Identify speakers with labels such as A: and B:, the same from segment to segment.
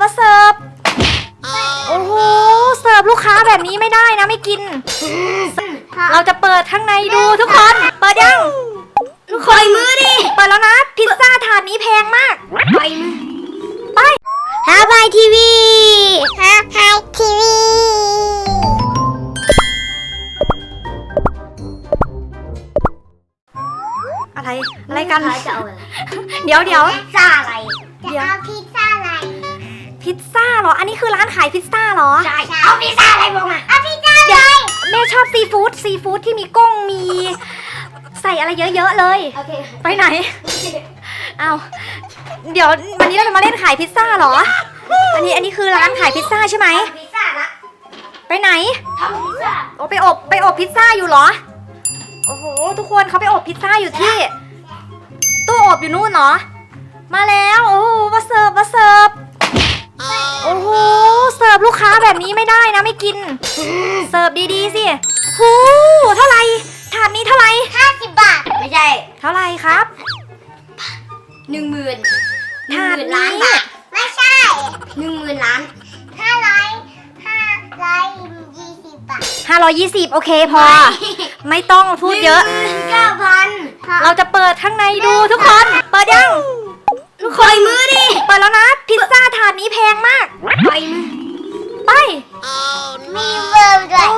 A: มาเสิร์ฟโอ้โหเสิร์ฟลูกค้าแบบนี้ไม่ได้นะไม่กินเราจะเปิดข้างในดูทุกคนเปิดยังทุกคนมือดิเปิดแล้วนะพิซซ่าถาดนี้แพงมากไปมือไปฮาบายทีวีฮาบายทีวีอะไรกันจะเอาอะไรเดี๋ยว
B: พิซซ่าอะไรจะเอาพิซซ่าอะไร
A: พิซซ่าเหรออันนี้คือร้านขายพิซซ่าเหรอ
B: ใช่เอาพิซซ่าอะไรบอกมาเอาพิซซ่าเลย
A: แม่ชอบซีฟู้ดที่มีกุ้งมีใส่อะไรเยอะๆเลยไปไหนเอาเดี๋ยววันนี้เราจะมาเล่นขายพิซซ่าเหรออันนี้คือร้านขายพิซซ่าใช่ไหม
B: พิซซ่าละ
A: ไปไหน
B: ทำพิซซ่า
A: โอ้ไปอบพิซซ่าอยู่เหรอโอ้โหทุกคนเขาไปอบพิซซ่าอยู่ที่ตู้อบอยู่นู่นเนาะมาแล้วโอ้โหมาเสิร์ฟโอ้โหเสิร์ฟลูกค้าแบบนี้ไม่ได้นะไม่กินเสิร์ฟดีๆสิหูเท่าไหร่ถาดนี้เท่าไหร่
B: 50 บาทไม่ใช่
A: เท่าไหร่ครับ
B: 10,000ถาดล้านบาทไม่ใช่10,000 ล้าน520 บาท
A: 520โอเคพอไม่ต้องพูดเยอะ
B: 9,000
A: เราจะเปิดข้างในดูทุกคนเปิดยัง
B: ทุกคนมือดิ
A: เปิดแล้วนะพิซซ่าถาดนี้แพงมาก
B: ไปมือ
A: ไป
B: มีเบอร์ด้วย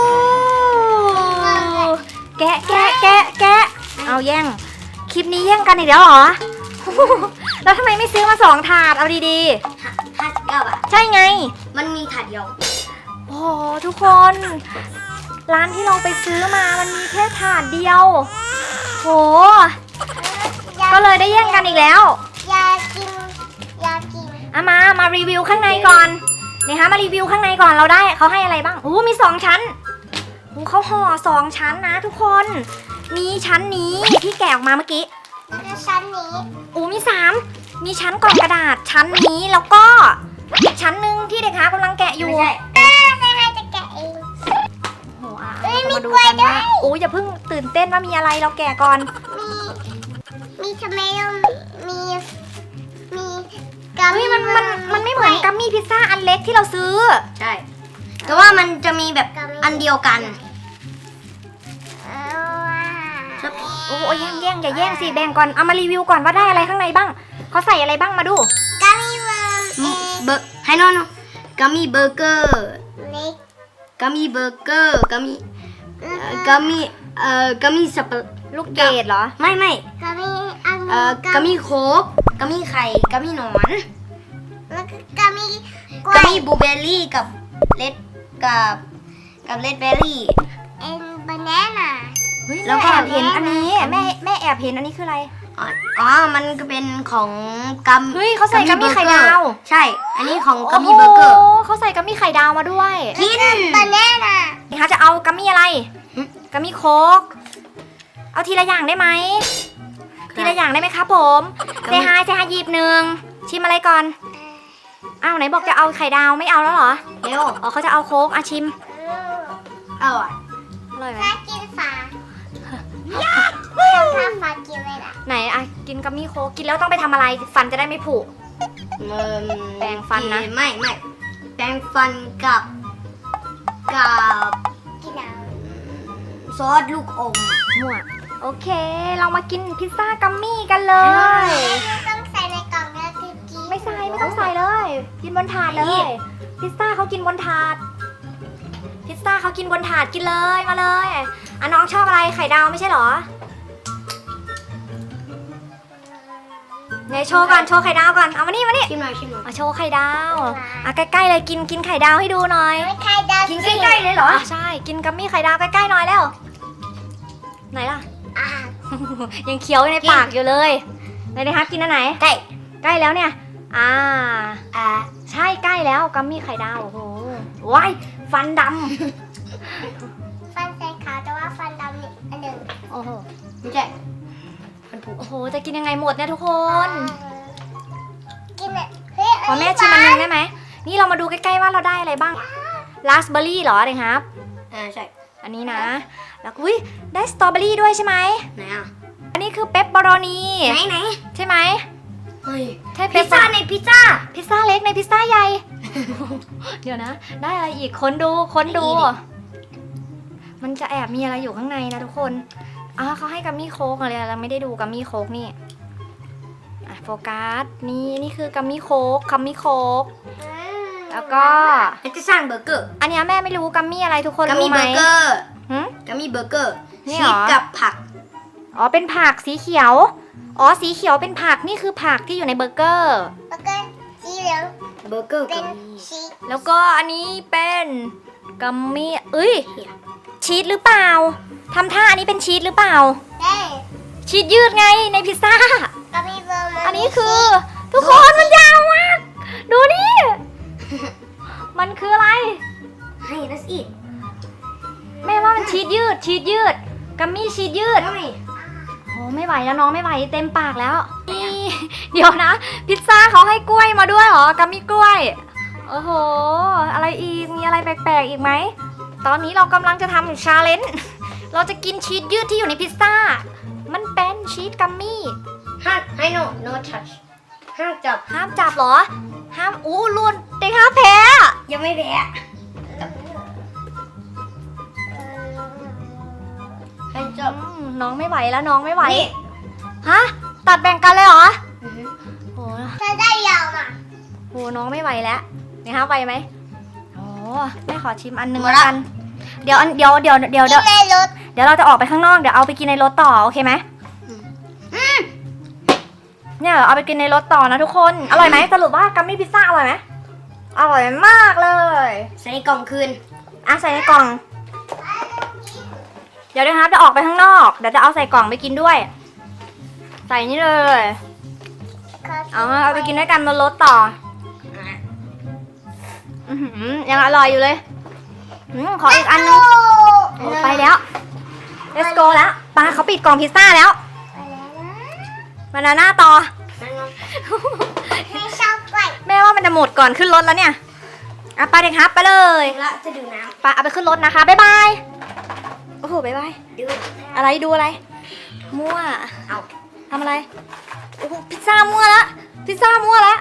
A: แกะเอาแย่งคลิปนี้แย่งกันอีกแล้วเหรอแล้วทำไมไม่ซื้อมา2 ถาดเอาดี
B: ๆ59 บาท
A: ใช่ไง
B: มันมีถาดเดียว
A: โอ้ทุกคนร้านที่เราไปซื้อมามันมีแค่ถาดเดียวโหก็เลยได้แย่งกันอีกแล้ว
B: อยากกิน
A: มารีวิวข้างในก่อนนะคะมารีวิวข้างในก่อนเราได้เขาให้อะไรบ้างมี2 ชั้นเขาห่อ2 ชั้นนะทุกคนมีชั้นนี้ที่แกะออกมาเมื่อกี้
B: แล้วก็ชั้นนี้
A: มี3มีชั้นกล่องกระดาษชั้นนี้แล้วก็อีกชั้นหนึ่งที่เด็กค้ากำลังแกะอยู่
B: ให้จะแกะเอง
A: มาดูกันว่าอย่าเพิ่งตื่นเต้นว่ามีอะไรเราแกะก่อน
B: มีทำไมมี
A: กัมมี่มันไม่เหมือนกัมมี่พิซซ่าอันเล็กที่เราซื้อ
B: ใช่แต่ว่ามันจะมีแบบอันเดียวกัน
A: แย่งอย่าแย่งสิแบ่งก่อนเอามารีวิวก่อนว่าได้อะไรข้างในบ้างเขาใส่อะไรบ้างมาดู
B: กัมมี่เบอร์ให้น้องกัมมี่เบอร์เกอร์กัมมี่เบอร์เกอร์กัมมี่สับปะ
A: ลูกเกดเหรอ
B: ไม่กัมมี่โค้กกัมมี่ไข่กัมมี่หนอนแล้วก็กัมมี่บลูเบอร์รี่กับเลดเบอร์รี่บานาน่า
A: แล้วก็แอบเห็นอันนี้แม่แอบเห็นอันนี้คืออะไร
B: มันก็เป็นของกัม
A: เขาใส่กัมมี่ไข่ดาว
B: ใช่อันนี้ของกัมมี่เบอร์เกอร์
A: เขาใส่กัมมี่ไข่ดาวมาด้วย
B: กินบานาน่า
A: เขาจะเอากัมมี่อะไรกัมมี่โค้กเอาทีละอย่างได้ไหมทีละอย่างได้ไหมครับผมเซฮายหยิบ1ชิมอะไรก่อนไหนบอกจะเอาไข่ดาวไม่เอาแล้วเหรอ
B: เร็ว
A: เขาจะเอาโค้กชิม
B: อร่อยไหมกินฝาฝากินเลยล่ะ
A: ไหนกินกัมมี่โค้กกินแล้วต้องไปทำอะไรฟันจะได้ไม่ผุแปรงฟันนะ
B: ไม่แปรงฟันกับซอสลูกอม
A: มั่วโอเคเรามากินพิซซ่ากัมมี่กันเลย
B: ต้องใส่ในกล่องนะ
A: ไม่ต้องใส่เลยกินบนถาดเลยพิซซ่าเขากินบนถาดกินเลยมาเลยน้องชอบอะไรไข่ดาวไม่ใช่หรอไหนโชว์ไข่ดาวก่อนเอามานี่
B: ชิมหน่อย
A: โชว์ไข่ดาวใกล้ๆเลยกินไข่ดาวให้ดูหน่อย
B: ไข่ดาวกินใกล้ๆเลยเหรอ
A: ใช่กินกัมมี่ไข่ดาวใกล้ๆหน่อยแล้วไหนล่ะยังเคี้ยวในปากอยู่เลยไหนนะครับกินอันไหนใกล้แล้วเนี่ยใช่ใกล้แล้วกัมมี่ไข่ดาวโอ้โหว้ายฟันดำ
B: ฟันใส่ขาวแต่ว่าฟันดำนี่อันหนึ่ง
A: โอ้โห
B: ไม่ใช่
A: มันผุโอ้โหจะกินยังไงหมดเนี่ยทุกคน
B: กิน
A: ขอแม่ชิมอันนึงได้ไหมนี่เรามาดูใกล้ๆว่าเราได้อะไรบ้างราสเบอร์รี่เหรอเด็กครับ
B: ใช่
A: อันนี้นะแล้วได้สตรอเบอรี่ด้วยใช่ไหม
B: ไหน
A: อันนี้คือเปปเปอโรนี
B: ไหน
A: ใช่ไหม
B: ฮ้ย
A: ใช่
B: พิซซ่าในพิซซ่า
A: พิซซ่าเล็กในพิซซ่าใหญ่ เดี๋ยวนะ ได้อะไรอีกค้นดูค้นดู มันจะแอบมีอะไรอยู่ข้างในนะทุกคนเขาให้กัมมี่โค้กอะไรเราไม่ได้ดูกัมมี่โค้กนี่โฟกัสนี่คือกัมมี่โค้กแล้วก็
B: จะสร้างเบอร์เกอร์
A: อันเนี้ยแม่ไม่รู้กัมมี่อะไรทุกคน
B: กัม
A: รู้
B: มี่
A: ไห
B: เบ
A: ม
B: อร์เกอร์
A: หึ
B: กัมมี่เบอร์เกอร์
A: นี่
B: ชี
A: เหรอ
B: สกับผัก
A: อ๋อเป็นผักสีเขียวสีเขียวเป็นผักนี่คือผักที่อยู่ในเบอร์เกอร์
C: แล้วก็สีเหลือง
B: เบอร์เกอร์
C: เป็
B: กัน บ
C: ชีส
A: แล้วก็อันนี้เป็นกัมมี่ชีสหรือเปล่าทำท่าอันนี้เป็นชีสหรือเปล่า
C: ได้
A: ชีสยืดไงในพิซซ่า
C: ก็มีเบอร์มา
A: อันนี้คือทุกคนมันยาวมาก ดูนี่ มันคืออะไร
B: ให้นัสอีก
A: แม่ว่ามันชีสยืดกัมมี่ชีสยืด
B: ไม่
A: โอ้ไม่ไหวแล้วน้องไม่ไหวเต็มปากแล้วนี่ เดี๋ยวนะ พิซซ่าเขาให้กล้วยมาด้วยเหรอกัมมี่กล้วยโอ้โหอะไรอีกมีอะไรแปลกๆอีกไหมตอนนี้เรากำลังจะทำชาเลนจ์เราจะกินชีสยืดที่อยู่ในพิซซ่ามันเป็นชีสกัมมี่
B: ห้ามให้ no touch ห้ามจับ
A: ห้ามจับเหรอ ห้ามลุนเด็กห้ามแพ้
B: ยังไม่แพ้ให้จับ
A: น้องไม่ไหวแล้วน้องไม่ไหว
B: นี่
A: ฮะตัดแบ่งกันเลยเหรอ
B: อือฮึ
A: โห
C: ถ้าได้ยาวมา
A: โหน้องไม่ไหวแล้วนี่ฮะไหวไหมโอ้แม่ขอชิมอันหนึง
B: หมด
A: แล้ว
B: ละ
A: กันเดี๋ยว
C: ในรถ
A: เดี๋ยวเราจะออกไปข้างนอกเดี๋ยวเอาไปกินในรถต่อโอเคไหมเนี่ยเอาไปกินในรถต่อนะทุกคนอร่อยไหมสรุปว่ากัมมี่พิซซ่าอร่อยไหมอร่อยมากเลย
B: ใส่ในกล่องคืน
A: ใส่ในกล่อง เดี๋ยวนะครับจะออกไปข้างนอกเดี๋ยวจะเอาใส่กล่องไปกินด้วย ใส่นี่เลยเอาไปกินด้วยกันบนรถต่อยังอร่อยอยู่เลยขออีกอันนึงโอ้ไปแล้ว let's go แล้วปาเขาปิดกล่องพิซซ่าแล้วบานาน่าต่อ
C: ไม่ชอบกล้วย
A: แม่ว่ามันจะหมดก่อนขึ้นรถแล้วเนี่ยไปเด็กครับไปเลย
B: ละจะดูน้
A: ไปเอาไปขึ้นรถนะคะบ๊ายบายโอ้โหบ๊ายบาย
B: ำดู
A: อะไรดูอะไร มั่ว
B: เอา
A: ทำอะไรโอ้โหพิซซ่ามั่วละพิซซ่ามั่วละ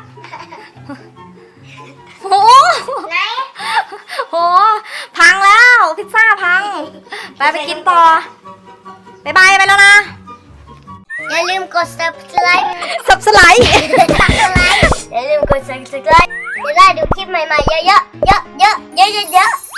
A: โอ้โห
C: ไหน
A: โหพังแล้วพิซซ่าพังไปกินต่อบ๊ายบายไปแล้วนะ
C: อย่าลืมกด subscribe
A: สับสไลด์
C: อย่าลืมกด subscribe จะได้ดูคลิปใหม่ๆเยอะๆเยอะๆเยอะๆเยอะๆ